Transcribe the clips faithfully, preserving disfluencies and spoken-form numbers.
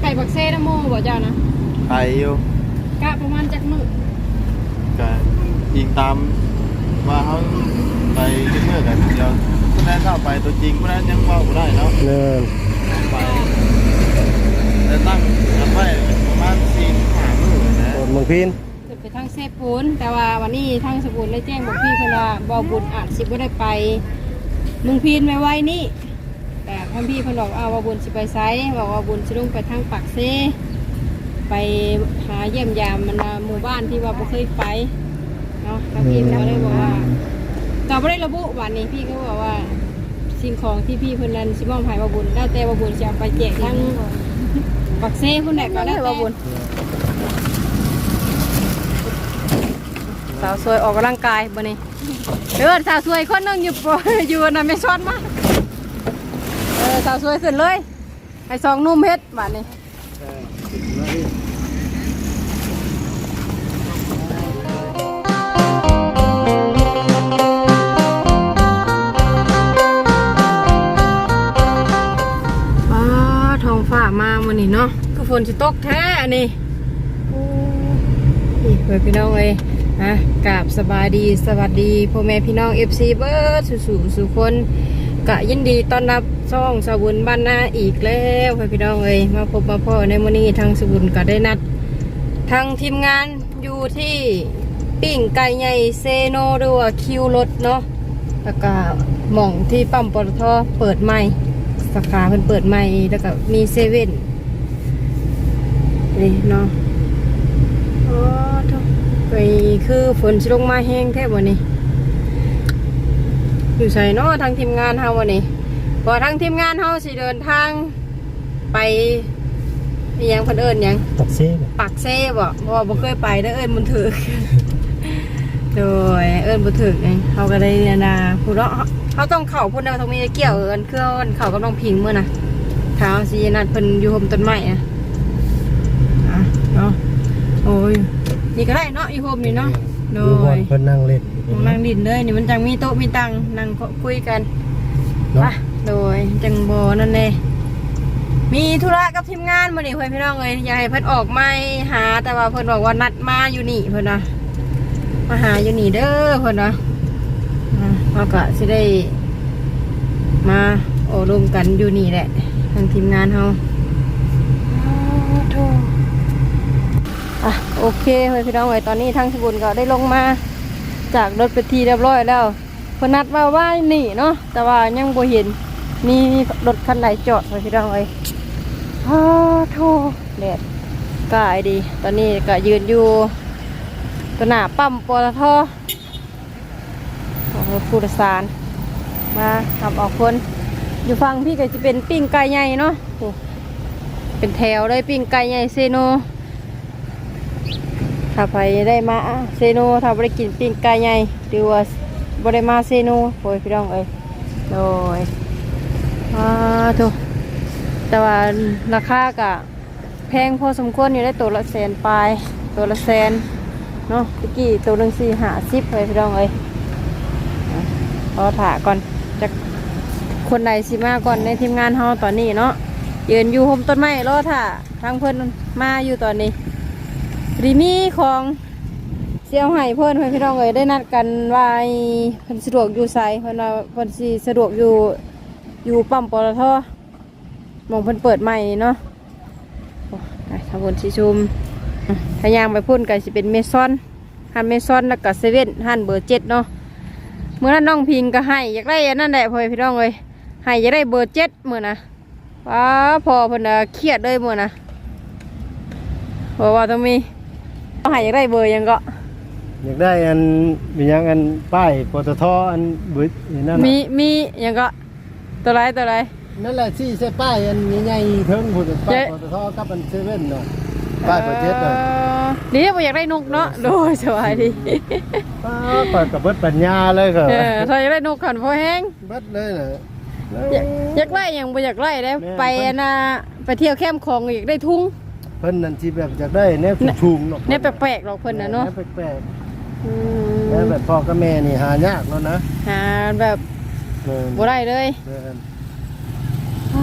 บักเซ่น้ำโมบ่เจ้านะไปอยู่กะประมาณจักมื้อก็ยิงตามว่าเขาไปเมื่อกันเดียวผู้นั้นเข้าไปตัวจริงผู้นั้นยังว่าผู้ได้เนาะเนี่ยไปแต่ตั้งกันไว้ประมาณสี่ห้ามื้อนะเมืองพินขึ้นไปทางเซปูนแต่ว่าวันนี้ทางสปูนได้แจ้งบอกพี่เพิ่นว่าบ่บุญอาจสิบ่ได้ไปเมืองพินไม่ไว้นี่แต่ท่านพี่เพิ่นบอกเอาว่าบุญสิไปไสบอกว่าบุญสิลงไปทางปากเซไปหาเยี่ยมยามมันหมู่บ้านที่ว่าบ่เคยไปเนาะท่านพี่ก็เลยบอกว่าก็บ่ได้ระบุวันนี้พี่ก็บอกว่าสิ่งของที่พี่เพิ่นนั้นสิมอบให้ว่าบุญแล้วแต่ว่าบุญสิเอาไปแจกทางปากเซพุ่นแหละก็แล้วแต่ว่าบุญสาวสวยออกกำลังกายบ่นี่เออสาวสวยคนนึงอยู่อยู่น่ะไม่ช้อนมาเออสาวสวยขึ้นเลยให้สองนุ่มเฮ็ดบาดนี้อ๋อท้องฟ้ามามื้อนี้เนาะคือฝนสิตกแท้อันนี้โอ้ยเพื่อนพี่น้องเอ้ยนะกราบสบายดีสวัสดีพ่อแม่พี่น้อง เอฟ ซี เบิร์ดสู่สู่คนกะยินดีต้อนรับช่องสบุญบ้านนาอีกแล้วพ่อพี่น้องเอ้ยมาพบมาพ่อในมื้อนี้ทางสบุญก็ได้นัดทางทีมงานอยู่ที่ปิ้งไก่ใหญ่เซโนหรือว่าคิวรถเนาะแล้วก็หม่องที่ปั๊มปตทเปิดใหม่สาขาเพิ่นเปิดใหม่แล้วก็มีเซเว่นนี่เนาะอ๋อไปคือฝนสิลงมาแห้งแทบวันนี้อยู่ใส่เนาะทางทีมงานเฮาวันนี้พอทางทีมงานเฮาสิเดินทางไปยังเพิ่นเอิ้นยังปักเซ่ปักเซ่บ่เพราะว่าบ่เคยไปได้เอิ้นบุญถึกโดยเอิ้นบุญถึกเองเฮาก็ได้เนี่ยนะผู้เนาะเฮาต้องเข้าพุ่นน่ะต้องมีเกี่ยวเอิ้นเครื่องเข้ากับน้องพิงมื้อน่ะถ้าเฮาสินัดเพิ่นอยู่ห่มต้นไม้อ่ะอ่ะเนาะโอ้ยนี่ก็ได้เนาะอีโฮมนี่เนาะโดยเพิ่นนั่งเล่นนั่งดินเลยนี่มันจังมีโต๊ะมีตังนั่งคุยกันป่ะโดยจังโบนั่นเองมีธุระกับทีมงานมาดิเพื่อนพี่น้องเลยอยากให้เพิ่นออกมาหาแต่ว่าเพิ่นบอกว่านัดมาอยู่นี่เพิ่นนะมาหาอยู่นี่เด้อเพิ่นนะเราก็สิได้มาโอ้รวมกันอยู่นี่แหละทางทีมงานเราอ่ะโอเคเพื่อนพี่น้องเลยตอนนี้ทางสบุญก็ได้ลงมาจากรถไปทีเรียบร้อยแล้วเพนัดว่าว่านี่เนาะแต่ว่ายังบ่เห็นมีรถคันไหนจอดเพื่อนพี่น้องเลยฮ่าโธ่แดดกายดีตอนนี้ก็ยืนอยู่ตัวหน้าปั๊มปตทรถผู้โดยสารมาทำออกคนอยู่ฟังพี่ก็จะเป็นปิ้งไก่ใหญ่เนาะเป็นแถวเลยปิ้งไก่ใหญ่เซโนถ้าไปได้มาเซโนถ้าไปกินปิ้งไก่ใหญ่หรือว่าบริมาเซโนโอ้ยพี่น้องเอ้ยโดยอ่าถูกแต่ว่าราคากะแพงพอสมควรอยู่ได้ตัวละแสนปลายตัวละแสนเนาะตะกี้ตัวหนึ่งสี่หาสิบเลยพี่น้องเอ้ยรอถ่าก่อนจะคนใดสิมาก่อนในทีมงานเฮาตอนนี้เนาะยืนอยู่ห่มต้นไม้รอถ่าทางเพื่อนมาอยู่ตอนนี้รีมีของเสี่ยวไห้เพื่อนเพื่อนพี่น้องเอ้ยได้นัดกันว่าเพิ่นสะดวกอยู่ไสเพิ่นว่าเพิ่นสิสะดวกอยู่อยู่ปั๊มปตทมองเพิ่นเปิดใหม่เนาะทางบนสิชุมทางยางไปพุ่นกันสิเป็นเมซอนฮันเมซอนแล้วก็เซเว่นฮันเบอร์เจ็ดเนาะเมื่อนั้นน้องพิงก็ให้อยากได้อันนั้นแหละเพื่อนพี่น้องเอ้ยให้อยากได้เบอร์เจ็ดเมื่อนะว้าพอเพิ่นเครียดเลยเมื่อนะบอกว่าต้องมีต้องหาอยากได้เบอร์ยังก็อยากได้อันมียังอันป้ายปตทอันบึ้ดนั่นมีมียังก็ตัวไรตัวไรนั่นแหละที่ใช่ป้ายอันใหญ่ๆเทิงผุดป้ายปตทกับอันเซเว่นเนาะป้ายเปิดเจ็ดเนาะนี่ผมอยากได้นกเนาะโดยสบายดีเปิดกับเบิดปัญญาเลยค่ะเออถ้าอยากได้นกขันพอแห้งเบิดเลยเหรออยากไล่ยังไม่อยากไล่ได้ไปนะไปเที่ยวแคมป์ของอยากได้ทุ่งเพิ่นนั่นที่แบบอยากได้เนี่ยชุมๆเนาะเนี่ยแปลกๆหรอกเพิ่นนะเนาะแปลกๆแล้วแบบพ่อกับแม่นี่หายากแล้วนะหาแบบบ่ได้เลยโธ่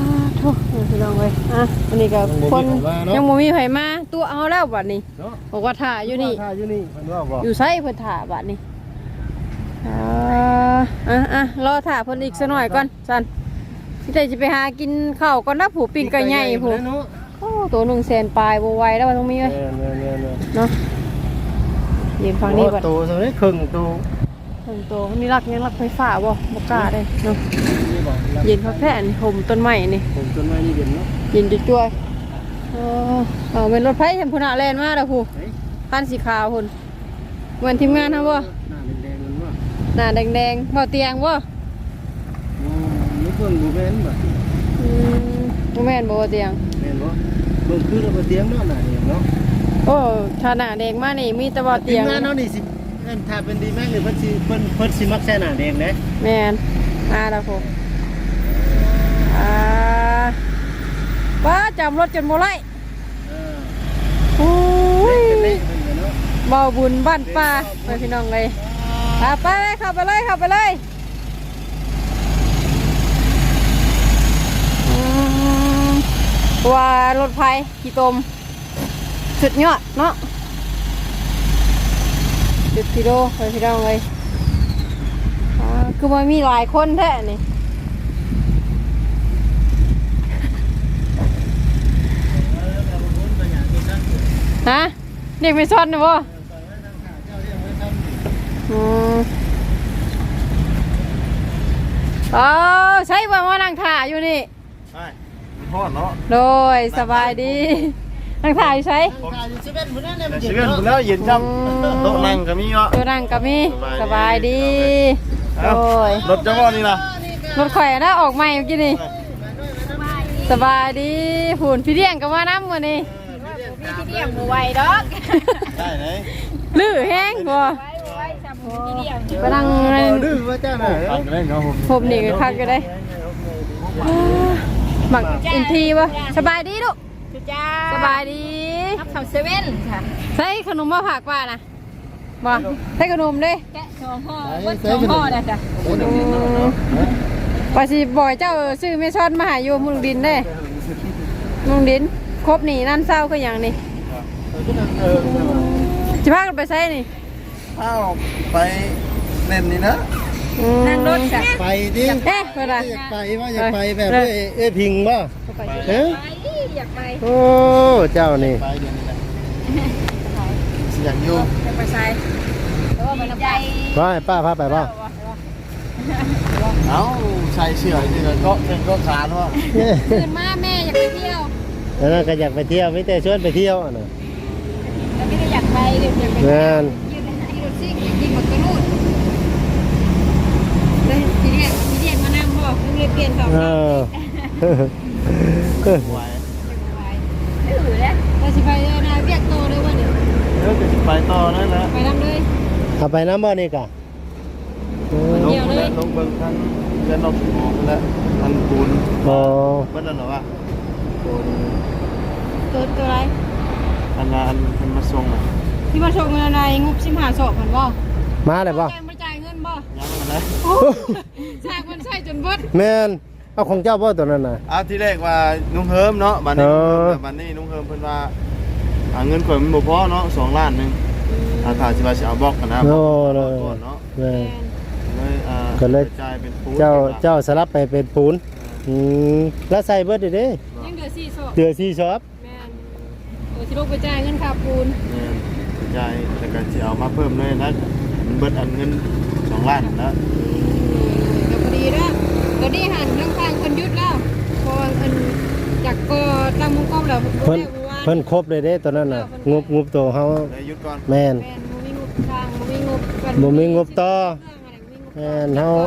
อ้พี่น้องเอ้ยอ่ะอันนี้ก็คนยังบ่มีไผมาตัวเอาแล้วบัดนี้เนาะบอกว่าถ่าอยู่นี่ท่าอยู่นี่เพิ่นว่าบ่อยู่ไสเพิ่นถ่าบัดนี้อ่าอ่ะอ่ะรอถ่าเพิ่นอีกสักหน่อยก่อนซั่นสิได้สิไปหากินข้าวก่อนนะผู้ปิ้งไก่ใหญ่ผู้เนาะโอ้ตัวหนึ่งแสนปลายบ่ไหวแล้วว่าต้องมีเว้ยเน่เน่เน่เนาะยืนฟังนี่ก่อนโตซะนี่ครึ่งโตถึงตัวมีรักยังรักไฟฟ้าบ่บ่กล้าได้เนาะยืนพักแผ่นห่มต้นไม้นี่ผมต้นไม้นี่เด่นเนาะยืนจ้วยๆเออเอาเป็นรถไฟเห็นพุ่นน่ะแล่นมาแล้วผู้คันสีขาวพุ่นเหมือนทีมงานเฮาบ่หน้าแดงๆมันว่าหน้าแดงๆบ่เตียงบ่อ๋อนี่เพิ่นบ่แม่นบ่อืมบ่แม่นบ่ว่าเตียงแม่นบ่เบิ่งคือเราบ่เตียงเนาะหน้านี่เนาะโอ้ถ้าหน้าแดงมานี่มีแต่บ่เตียงทีมงานเนาะนี่สิเอิ้นถ้าเป็นดีแม็กนี่เพิ่นสิเพิ่นเพิ่นสิมักใส่หน้าแดงเด้แม่นมาแล้วผู้อ่าว้าจำรถจนบ่ไล่เออโอ้ยเป็นเละเพิ่นก็เนาะเบาบุญบ้านป่าไปพี่น้องเลยอ่ะไปเลยเข้าไปเลยเข้าไปเลยอืมว่ารถไฟขี่ตมสุดยอดเนาะจุดกิโลไปพี่น้องเลยอ่าคือมันมีหลายคนแท้นี่ฮะเด็กไม่ชอนนะบ่อืมอ๋อใช่ว่าว่านั่งถ่ายอยู่นี่ใช่มันทอดเนาะโดยสบายดีนั่งถ่ายอยู่ใช่ขายอยู่เซเว่นพุ่นนั่นแหละมันเซเย็นเว่นเนาะแล้วเย็นจังโต๊ะนั่งก็มีเนาะตัวนั่งกับมีสบายดีโดเอ้าย รถจังหวะนี่ล่ะรถข่อยนะออกใหม่เมื่อกี้นี่สบายดีหุ่นพี่เลี้ยงกับว่าน้ำมือนี่พี่เลี้ยงบ่ไหวดอกได้ไหนลื้อแห้งบ่ไหวบ่ไหวซ้ำพี่เลี้ยงไปนั่งดื้อว่าเจ้าน่ะตัดกันได้เนาะผมผมนี่ก็คักก็ได้หมักอินทีบ่สบายดีลูกจุจ้าสบายดีทับเขาเซเว่นค่ะใส่ขนมมาผักป่านะบ่ใส่ขนมเด้แกะสองห่อเบิ้ลสองห่อเลยจ้ะว่าสิบ่อยเจ้าซื้อไม่ช้อนมาใหาอยู่มุงดินเด้มุงดินครบนี่นั่นเศร้าก็อย่างนี้สิพากันไปใส่นี่อ้าวไปเล่นนี่นะอืมนั่งรถจ้ะไปดิเอ๊ะเวลาอยากไปว่าอยากไปแบบเอ้ยเอ้ยพิงบ่เอ้ยไปอยากไปโอ้เจ้านี่ไปเดี๋ยวนี้นะเสียงอยู่อยากไปใส่แต่ว่ามันใจว่าให้ป้าพาไปบ่เอ้าใส่เสื้อนี่ก็ก็เป็นก็ขาดว่าตื่นมาแม่อยากไปเที่ยวแล้วนั่นก็อยากไปเที่ยวไม่แต่ชวนไปเที่ยวอ่ะนะแล้วไม่ได้อยากไปเดี๋ยวอยากไปงานยืนยืนรถซิ่งยิงหมดกระนูดเลยพี่เลี้ยงพี่เลี้ยงมานั่งบ่เพิ่งเลยเปลี่ยนสองเออไหวถือแล้วเราสิไปเลยนะเรียกโตเลยว่าเดี๋ยวเดี๋ยวจะไปต่อนั่นแหละไปทำเลยเอาไปน้ำบ่อนี่กะเออลงแล้วลงเบิ่งทั้งเรือนนกหมอกแล้วทันปูนอ๋อเบิ่งแล้วเหรอวะตัวตัวอะไรอันนั้นมันมาส่งอ่ะที่มาชมเงินอะไรงบสิบห้าศพหันบ่มาเลยบ่แกมาจ่ายเงินบ่ยังมันนะสร้างมันใช่จนเบิดแม่นเอาของเจ้าบ่ตัวนั้นน่ะเอาที่แรกว่านุ่งเฮิมเนาะบัดนี้เออบัดนี้นุ่งเฮิมเพิ่นว่าอ่าเงินข่อยมันบ่พอเนาะสองล้านหนึงอาถ้าสิว่าสิเอาบล็อกกันนะโอ้เลยก่อนเนาะแม่นเลยอ่าก็เลยจ่ายเป็นปูนเจ้าเจ้าสลับไปเป็นปูนอืมแล้วใส่เบิดดิเด้ยังเดือสี่ศพเดือสี่ชอบแม่นโอ้สิลูกไปจ่ายเงินค่าปูนเนี่ยจ่ายแต่ก็สิเอามาเพิ่มเลยนะมันเบิดอันเงินสองล้านนะก็พอดีแล้วก็ดีหันเรื่องทางคนยุดแล้วพออันจากก็ตั้งมุ้งก้อมแล้วเพิ่นเพิ่นครบเลยเด้ตัวนั้นน่ะงบงบตัวเฮาเลยหยุดก่อนแม่นแม่นบ่มีงบทางบ่มีงบบ่มีงบต่อ แม่นเฮา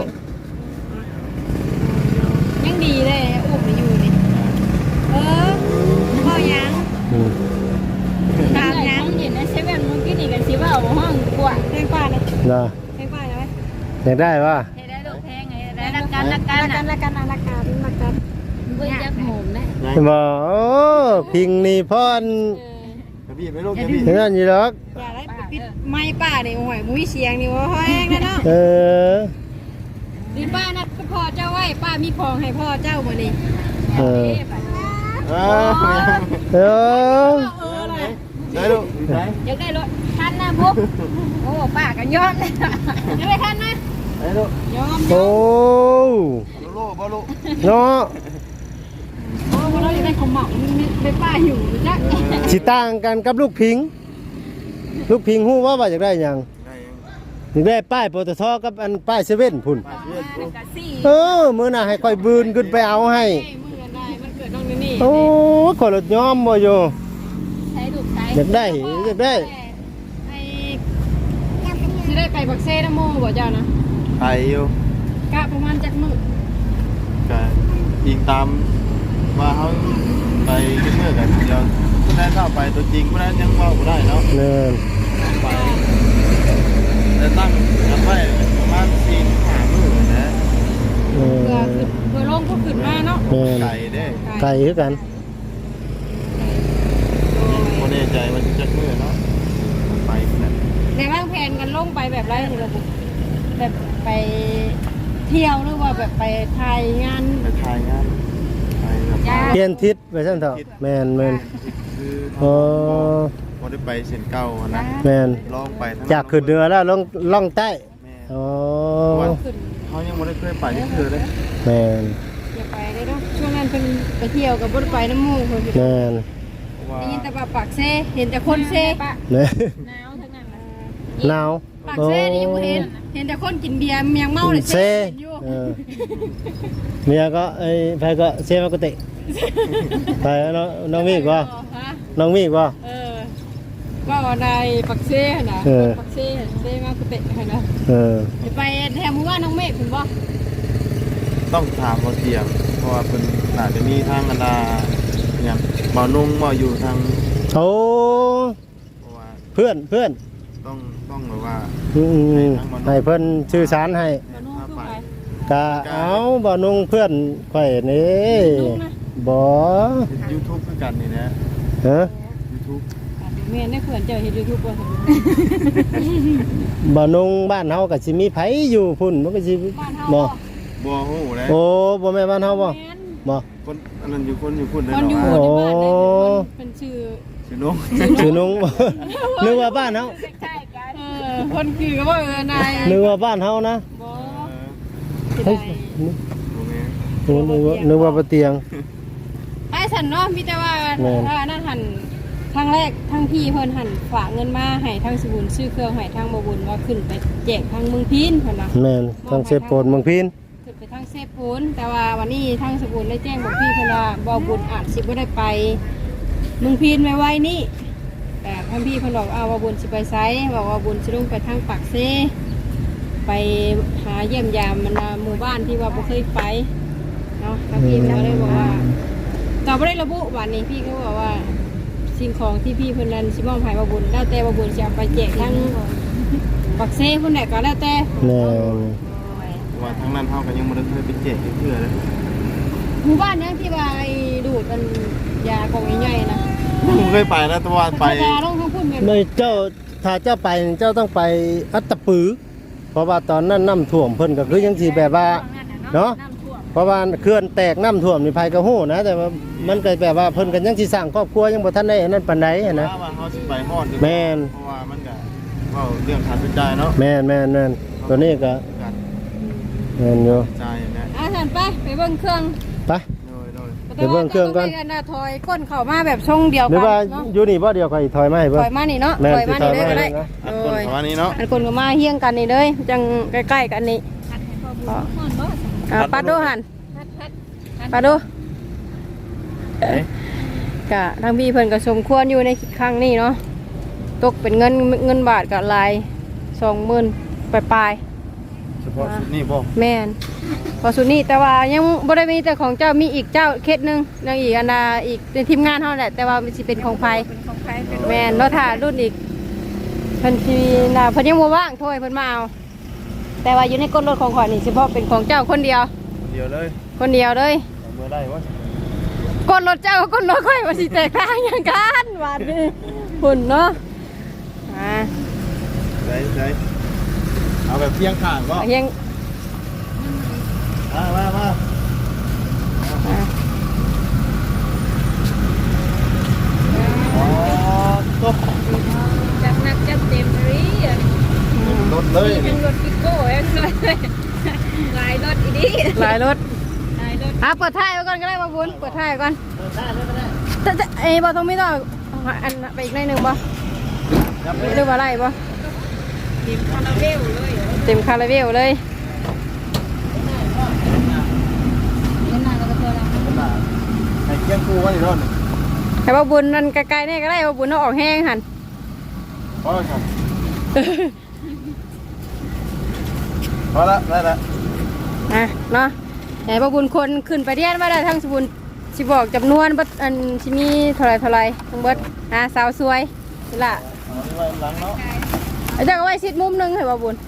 ยังดีเลยอุ้มไปอยู่นี่เออพ่อยังอืมตามยังเห็นในเซเว่นเมื่อกี้นี่กันสิว่าเอาห้องกว่าแพงกว่าเลยน่ะแพงกว่าไหมอยากได้ป่ะให้ได้ดอกแพงไงได้รักกันรักกันรักกันรักกันรักกันรักกันเบิ่งจักหอมนะยังบ่โอ้พิงนี่พ่อนกระบี่ไม่ลูกกระบี่เห็นนั่นอยู่หรอกอย่าได้ปิดไม้ป้านี่โอ้ยมุ้ยเสียงนี่ว่าแห้งนะเนาะเออดิป้านัดก็พ่อเจ้าไว้ป้ามีของให้พ่อเจ้าบ่นี่เเออเออเออได้ลูกได้อยากได้รถคันนะบุ๊กโอ้ป้ากันยอมเลยอยากได้คันนะได้ลูกยอมโอ้ลูกบ่ลูกเนาะโอ้เราอยากได้ของหม่องได้ป้าอยู่จักสิต่างกันกับลูกพิง ลูกพิงฮู้ว่าว่าอยากได้หยังได้อยากได้ป้ายปตทกับอันป้ายเซเว่นพุ่นมาเชื่อลูกกะสี่เออมื้อหน้าให้ค่อยบืนขึ้นไปเอาให้มือได้มันเกิดน้องนี่โอ้ขอยรถยอมบ่อยู่ใช้ถูกใช้อยากได้อยากได้ไอ้สิได้ไปบักเซ่นะโมบ่เจ้านะไปอยู่กะประมาณจักมื้อก็ยิงตามว่าเขาไปกินเมื่อกันเดียวผู้นั้นเข้าไปตัวจริงผู้นั้นยังว่าบ่ได้เนาะเนินไปแต่ตั้งกันไว้ประมาณสี่ห้ามื้อนะเอเพื่ออขึ้นเพื่อลงก็ขึ้นมาเนาะแม่นไก่เด้ไก่คือกันบ่แน่ใจว่าจะจักมื้อเนาะไปนั่นในวางแผนกันลงไปแบบไรนี่ระบุแบบไปเที่ยวหรือว่าแบบไปถ่ายงานไปถ่ายงานไปแบบจ้าเปลี่ยนทิศไปซั่นเถอะแม่นแม่นคือโอ้บ่ได้ไปเส้นเก่านะแม่นลองไปทั้งจากขึ้นเหนือแล้วลงล่องใต้แม่อ๋อขึ้นเขายังไม่ได้เคยไปที่คือเลยแม่นอย่าไปเลยเนาะช่วงนั้นเป็นไปเที่ยวกับบ่ได้ไปน้ำหมูเพิ่นแม่นว่าได้ยินแต่ว่าปากเซ่เห็นแต่คนเซ่ปะแม่นหนาวทั้งนั้นหนาวปากเซ่นี่ยังบ่เห็นเห็นแต่คนกินเบียร์ยังเมาเลยเซเซ่เห็นอยู่เออเมียก็ไอ้ไผก็เซมากติไปน้องน้องมีอีกบ่ฮะน้องมีอีกบ่เออว่าว่าในปักเซ่น่ะเออปักเซ่เซ่มากกุเตะนะเออไปแถมว่าน้องเมฆคุณบ่ต้องถามเขาเตียงเพราะว่าเป็นอาจจะมีทางอันดาอย่างเบานุ่งเบาอยู่ทางโอ้เพราะว่าเพื่อนเพื่อนต้องต้องแบบว่าอืมให้เพิ่นชื่อสารให้บ่นุ่งคือไปกะเอาบ่นุ่งเพื่อนข่อยนี่นุ่งนะบ่ยูทูบคือกันนี่นะฮะยูทูบแม่นได้เขื่อนเจ้าเฮ็ด YouTube บ่บ่นุ่งบ้านเฮาก็สิมีไผอยู่พุ่นมันก็สิบ้านเฮาบ่บัวโหเลยโอ้บ่แม่นบ้านเฮาบ่แม่นบ่คนอันนั้นอยู่คนอยู่คนเลยคนอยู่เนาะในบ้านได้เป็นชื่อชื่อน้องชื่อนุ่ง บ่ นึกว่าบ้านเฮาใช่กันเออคนคือก็บ่เออนายนึกว่าบ้านเฮานะบ่เออสิเฮ้ยได้โอเคนึกว่านึกว่าบ่เตียงไอ้ฉันเนาะมีแต่ว่าแม่นถ้านั่นหันทางแรกทางพี่เพิ่นหันฝากเงินมาให้ทางสบุญซื้อเครื่องให้ทางบ่บุญว่าขึ้นไปแจกทางเมืองพีนเพิ่นน่ะแม่นทางเซโปนเมืองพีนขึ้นไปทางเซปูนแต่ว่าวันนี้ทางสบุญได้แจ้งบอกพี่เพิ่นว่าบ่บุญอาจสิบ่ได้ไปเมืองพีนไว้ๆนี่แต่ทางพี่เพิ่นบอกอ้าวว่าบุญสิไปไสบอกว่าบุญสิลงไปทางปากเซไปหาเยี่ยมยามมันน่ะหมู่บ้านที่ว่าบ่เคยไปเนาะทางพี่เพิ่นก็เลยบอกว่าก็บ่ได้ระบุวันนี้พี่เขาบอกว่าสิ่งของที่พี่เพิ่นนั้นสิมอบให้บ่บุญแล้วแต่บ่บุญสิเอาไปแจกทางปากเซเพิ่นได้ก็แล้วแต่แม่นว่าทางนั้นเขาก็ยังไม่ได้เคยไปเจ็บที่คือเลยหมู่บ้านยังที่ว่าไอ้ดูดมันยากองใหญ่ๆนะผมเคยไปนะแต่ว่าไปธรรมดาต้องทั้งพุ่นแบบไม่เจ้าถ้าเจ้าไปเจ้าต้องไปอัตตปือ เพราะว่าตอนนั้นน้ำท่วมเพิ่นก็คือยังสิแบบว่าเนาะน้ำท่วมเพราะว่าเขื่อนแตกน้ำท่วมนี่ภัยก็ฮู้นะ แต่ว่ามันก็แบบว่าเพิ่นก็ยังสิสร้างครอบครัวยังบ่ทันได้อันนั้นปานใดหั้นนะว่าเขาสิไปฮอดอยู่แม่นเพราะว่ามันก็เว้าเรื่องค่าใช้จ่ายเนาะแม่นแม่นแม่นตัวนี้ก็การแม่นอยู่จ่ายอย่างนี้อ่ะฉันไปไปเบิ่งเครื่องไปโดยโดยไปเบิ่งเครื่องก่อนไปกันนะถอยก้นเข้ามาแบบทรงเดียวหรือกัว่าเนาะอยู่นี่บ่เดียวค่อยถอยมาให้เบิ่ถงอยมานี่เนาะแม่นถอยมานี่เลยก็ได้สิถอยมานี่นะอันคนประมาณนี้เนาะอันคนก็มาเฮี้ยงกันนี่เลยจังใกล้ๆกันนี่อ่าปัดดูหันปัดดูกะทางพี่เพิ่นก็สมควรอยู่ในครั้งนี้เนาะตกเป็นเงินเงินบาทก็หลายสองหมื่นปลายเฉพาะชุดนี้บ่ๆแม่นพอสุดนี้แต่ว่ายังบ่ได้มีแต่ของเจ้ามีอีกเจ้าเคสหนึงยังอีกอันน่ะอีกเป็นทีมงานเฮาแหละแต่ว่ามันสิเป็นของไผแม่นเนาะถ้ารุ่นอีกเพิ่นสิน่ะเพิ่นยังบ่ว่างโทยเพิ่นมาเอาแต่ว่าอยู่ในก้นรถของข่อยนี่เฉพาะเป็นของเจ้าคนเดียวเดียวเลยคนเดียวเลยเอามือได้วะก้นรถเจ้ากับก้นรถข่อยว่าสิแตกต่างหยังกันบาดนี้หุ่นเนาะอ่าได้ได้เอาแบบเพียงข้างก็เฮียงมามามาอ่าหลายรถได้รถอ่ะเปิดท้ายไว้ก่อนก็ได้มาบุญเปิดท้ายไว้ก่อนเปิดได้เลยก็ได้แต่แต่ไอ้บอต้องไม่ต้องอันไปอีกในหนึ่งบ่หรือว่าไรบ่ทีมคาราเวลเลยเต็มคาราเบลเลยเล่นนานก็ตัวละขนาดไอ้เกี้ยงกูว่าอยู่โน่นแต่ว่าบุญนั่นไกลๆนี่ก็ได้ว่าบุญต้องออกแห้งหันพอแล้วครับพอละได้ละนะเนาะไหนว่าบุญคนขึ้นไปเรียนว่าได้ทั้งสบุญสิบอกจำนวนบัดอันสิมีเท่าไรเท่าไรทั้งเบิดอ่าสาวสวยนี่ล่ะเอาไว้หลังเนาะอาจารย์ก็ไว้ชิดมุมหนึงให้ว่าบุญ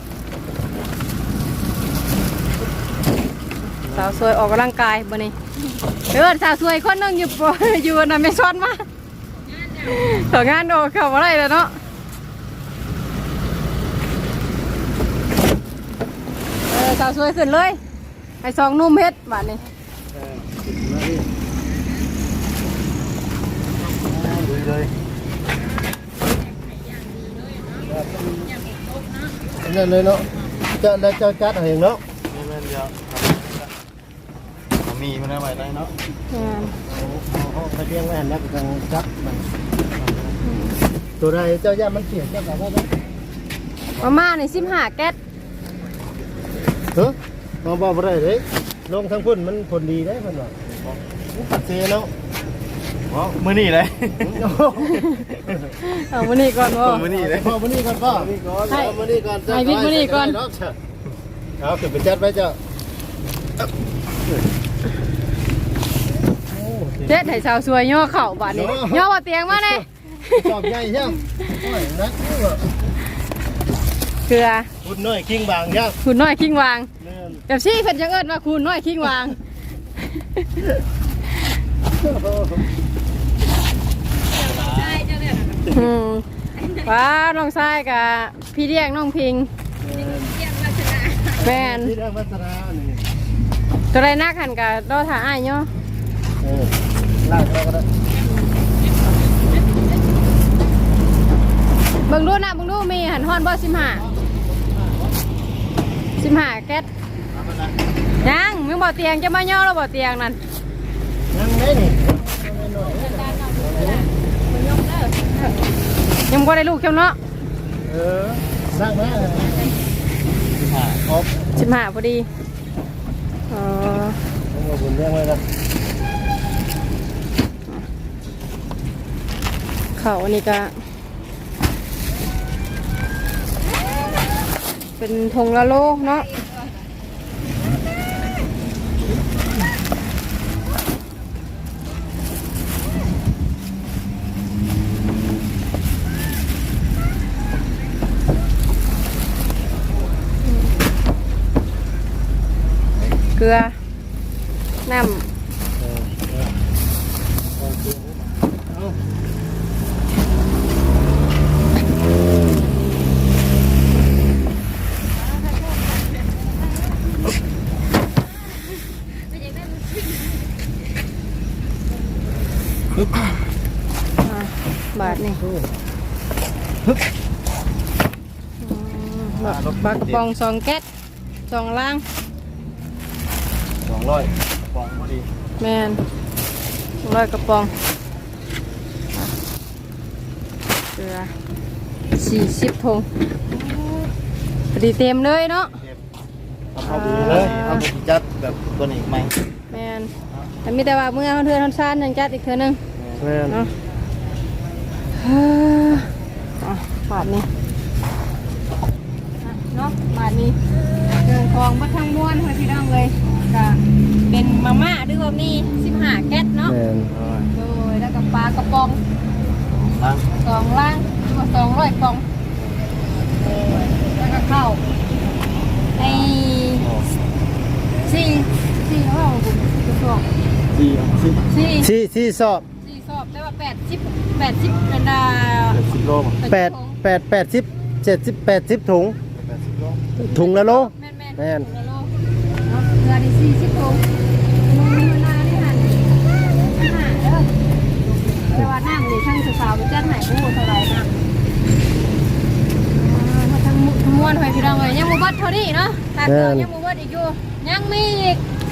สาวสวยออกกำลังกายบ่นี่เออสาวสวยคนหนึงอยู่ ป อยู่น่ะไม่ซ้อนมาต่องานโอเข้าอะไรแล้วเนาะเออสาวสวยขึ้นเลยไอ้สองหนุ่มเฮ็ดบาดนี้ดูเลยนั่นเลยเนาะเจ้าแล้วเจ้าจัดเอาเองเนาะนี่แม่นเดียวมีมันได้ไว้ได้เนาะอ่าเอาเอาไปเลี้ยงไว้หันแล้วก็จังจัดมันตัวใดเจ้าย่ามันเสียเจ้าก็ได้มาม่าในสิบห้าแก๊สเฮ้ยมาบอกบ่ได้เด้ลงทางพุ่นมันผลดีได้เพิ่นว่ามันปัดเซเนาะอ๋อมื้อนี้เลยเอามานี่ก่อนบ่มื้อนี้เลยพ่อมื้อนี้ก่อนพ่อมื้อนี้ก่อนเอามื้อนี้ก่อนให้บิ๊กมื้อนี้ก่อนเอาขึ้นไปจัดไว้เจ้าเจ็ดให้สาวสวยย่อเข่าบาดนี้ย่อบ่เตียงมาเลยจอบใหญ่ยังโอ้ยนักนี่ว่ะเกลือพุ่นน้อยกิ้งบางยังคุณน้อยคิงวางแม่นกับซี่เพิ่นจังเอิ้นว่าคุณน้อยคิงวางอืมว้าน้องชายกับพี่เรียกน้องพิงแม่นที่ได้วัฒนานี่ตัวใดนักหันกับดอถ่าอ้ายย่อเออลากเราก็ได้เบิ่งดูนะเบิ่งดูมีหันฮอนบ่สิบห้าสิบห้าแก๊สยังมึงบ่เตียงจะมาย่อแล้วบ่เตียงนั่นยังไงนี่ยังบ่ได้ลูกเจ้าเนาะเออสร้างมาครบสิบห้าพอดีเออต้องมาบุญเรื่องไว้กันเขาอันนี้ก็เป็นธงละโลเนาะเกลือน้ำ อ่ะบาทนี่บักบักกระปองสองแก๊สสองล่างสองร้อยฟองพอดีแมนร้อยกระปองอ่ะเกลือสี่สิบทงพอดีเต็มเลยเนาะเอาพอดีเลยเอาไปจัดแบบตัวนี้ไหมแมนแต่มีแต่ว่าเมื่อเขาเทือนเขาซ่านยังจัดอีกเทือนึงแม่นเนาะเฮ้ออ่ะบาทนี้อ่ะเนาะบาทนี้เดินคลองบัดทางม้วนให้พี่น้องเลยก็เป็นมาม่าด้วยแบบนี้สิบห้าแก๊สเนาะแม่นโดยแล้วก็ปลากระป๋องล้างสองล่างหรือว่าสองร้อยกล่องเออแล้วก็ข้าวไอ้สี่สี่เท่าไหร่บุญสี่กล่องสี่สิบสี่ที่ที่สอบสี่สอบได้ว่าแปดสิบแปดสิบเป็นดาสิบโลมั้งแปดแปดแปดสิบเจ็ดสิบแปดสิบถุงแปดสิบโลถุงละโลแม่นแม่นแม่นถุงละโลเนาะเกลือนี่สี่สิบถุงนุ่มมีเวลาที่หันห้าเด้อแต่ว่าน้ำนี่ช่างสาวๆไปจัดให้ผู้เท่าไหร่น้ำ ทั้งม้วนไปพี่น้องเลยยังมูบัดเท่านี้เนาะตัดต่อยังมูบัดอีกอยู่ยังมีอีก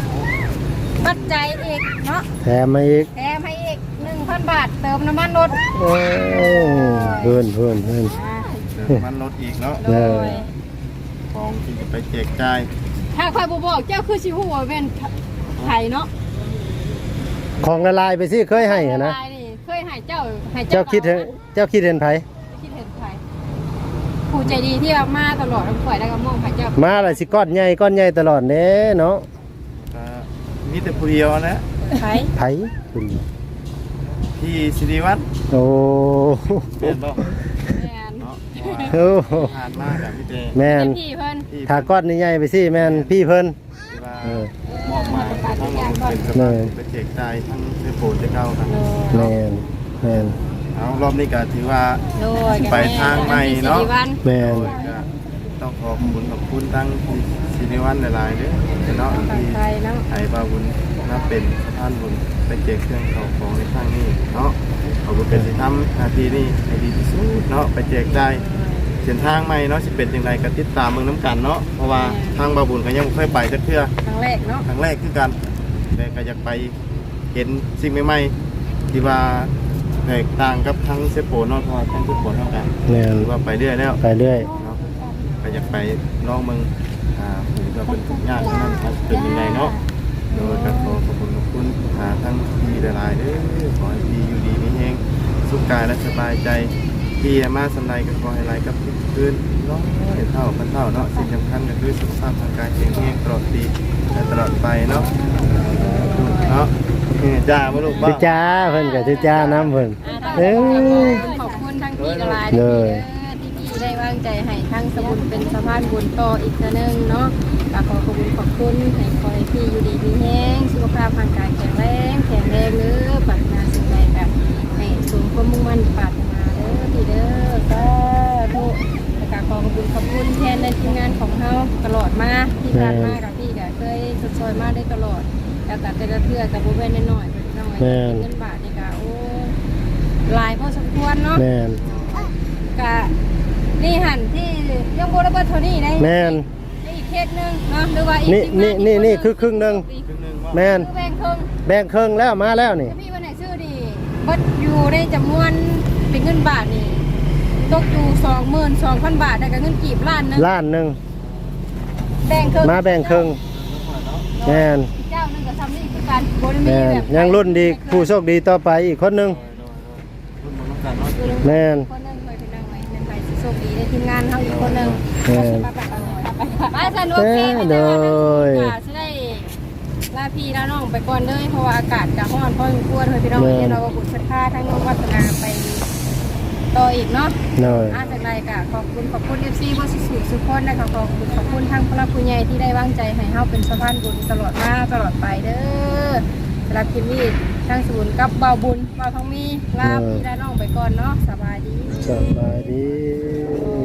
ปัจจัยอีกเนาะแถมมาอีกแถมให้อีกหนึ่งพันบาทเติมน้ำมันรถโอ้เพิ่นเพิ่นเพิ่นอ่าเดี๋ยวมันลดอีกเนาะโดยของที่จะไปแจกจ่ายถ้าคอยบบอกเจ้าคือชิฮูว่าเป็นไทยเนาะของละลายไปสิเคยให้อะนะลายนี่เคยให้เจ้าให้เจ้าคิดเห็นเจ้าคิดเห็นไผคิดเห็นไทยผู้ใจดีที่เอามาตลอดทั้งฝ่ายแล้วก็มองให้เจ้ามาละสิก้อนใหญ่ก้อนใหญ่ตลอดเด้เนาะก็มีแต่ผู้เดียวนะไทยไผคุณพี่สิริวัฒน์โอ้เห็นบ่แม่นเนาะโอ้ผ่านมากับพี่เจแม่นพี่เพิ่นที่ถ้าก้อนใหญ่ๆไปสิแม่นพี่เพิ่นที่ว่าเออมอบหมายทั้งเป็นสภาพไปแจกจ่ายทั้งเสื้อโปรดจะเข้าครับแม่นแม่นเอารอบนี้ก็ถือว่าโดยไปทางใหม่เนาะสิริวัลย์แม่นโดยก็ต้องขอบคุณขอบคุณทั้งพี่สิริวัฒน์หลายๆเด้อเนาะฝั่งที่ไทยเนาะไอ้บาวุญนับเป็นท่านบุญไปแจกเครื่องเข้าของในครั้งนี้เนาะขอบคุณเป็นสิทำหน้าที่นี้ให้ดีที่สุดเนาะไปแจกจ่ายเส้นทางใหม่เนาะสิเป็นจังไดก็ติดตามเมืองน้ำกันเนาะเพราะว่าทางบาบุญก็ยังบ่เคยไปจักเทื่อครั้งแรกเนาะครั้งแรกคือกันแต่ก็อยากไปเห็นสิ่งใหม่ๆที่ว่าแตกต่างกับทั้งเซโปเนาะเพราะว่าทั้งเซโปเท่ากันแม่นถือว่าไปเรื่อยแล้วไปเรื่อยเนาะก็อยากไปลองเมืองอ่าถือว่าเป็นทุกอย่างนั้นมันเป็นยังไงเนาะโดยก็ขอขอบคุณขอบคุณหาทั้งพี่หลายๆเด้อขอให้พี่อยู่ดีมีแฮงสุขกายและสบายใจพี่มาสำไรก็ขอให้ไหลกับทุกคืนเนาะเห็นเท่าพันเท่าเนาะสิ่งสำคัญก็คือสุขภาพทางกายแข็งแรงตลอดปีและตลอดไปเนาะเนาะนี่จ้าบ่ลูกบ่ชื่อจ้าเพิ่นก็ชื่อจ้าน้ำเพิ่นเอ้ยขอบคุณทั้งพี่กลายเลเด้ยอที่พี่ได้วางใจให้ทั้งสมุนเป็นสะพานบุญต่ออีกเทื่อนึงเนาะก็ขอขอบคุณขอบคุณให้คอยพี่อยู่ดีมีแห้งสุขภาพร่างกายแข็งแรงแข็งแรงเด้อปรารถนาสิ่งใดก็ให้สมความมุ่งมั่นปรารถนาเด้อพี่เด้อก็ทุกแล้วก็ขอขอบคุณขอบคุณแทนในทีมงานของเฮาตลอดมาที่ผ่านมากับพี่ก็เคยสดซอยมาได้ตลอดแต่แต่แต่ละเทื่อกับบ่แม่นน้อยๆน้อยๆเป็นเงินบาทนี่ก็โอ้หลายพอสมควรเนาะแม่นกะนี่หันที่ยังโบราณเท่านี้ได้แม่นได้อีกเคสหนึงเนาะหรือว่าอีกนี่ทีมงานี่นี่อีกนี่คือครึ่งหนึงครึ่งหนึงว่าแม่นคือแบ่งครึ่งแบ่งครึ่งแล้วมาแล้วนี่ถ้าพี่วันไหนซื้อดีเบัดอยู่ในจำนวนเป็นเงินบาทนี่ตกอยู่สองหมื่นสองพันบาทได้กับเงินกีบล้านหนึงล้านหนึงแบ่งครึ่งมาแบ่งครึ่งแม่นเจ้าหนึงก็ทำนี่คือการบริมีแม่นแบบยังรุ่นดีผู้โชคดีต่อไปอีกคนหนึงรุ่นบนน้ำกันเนาะแม่นคนหนึงเคยเป็นนางไว้เป็นไปโชคดีในทีมงานเฮาอีกคนหนึงแม่นไปสนุกเกมโดยจะได้ลาพี่ลาน้องไปก่อนเลยเพราะว่าอากาศจะร้อนพอสมควรเลยพี่น้องเนี่ยเราก็บุญศรัทธาทั้งน้องวัฒนาไปต่ออีกเนาะหน่อยอาจากไรก็ขอบคุณขอบคุณเอฟซีบอสสุสุขคนนะคะขอบคุณขอบคุณทั้งพระผู้ใหญ่ที่ได้วางใจให้เฮาเป็นสะพานบุญตลอดมาตลอดไปเด้อสำหรับคลิปนี้ทั้งศูนย์กับเบาบุญเบาทองมีลาพี่ลาน้องไปก่อนเนาะสบายดีสบายดี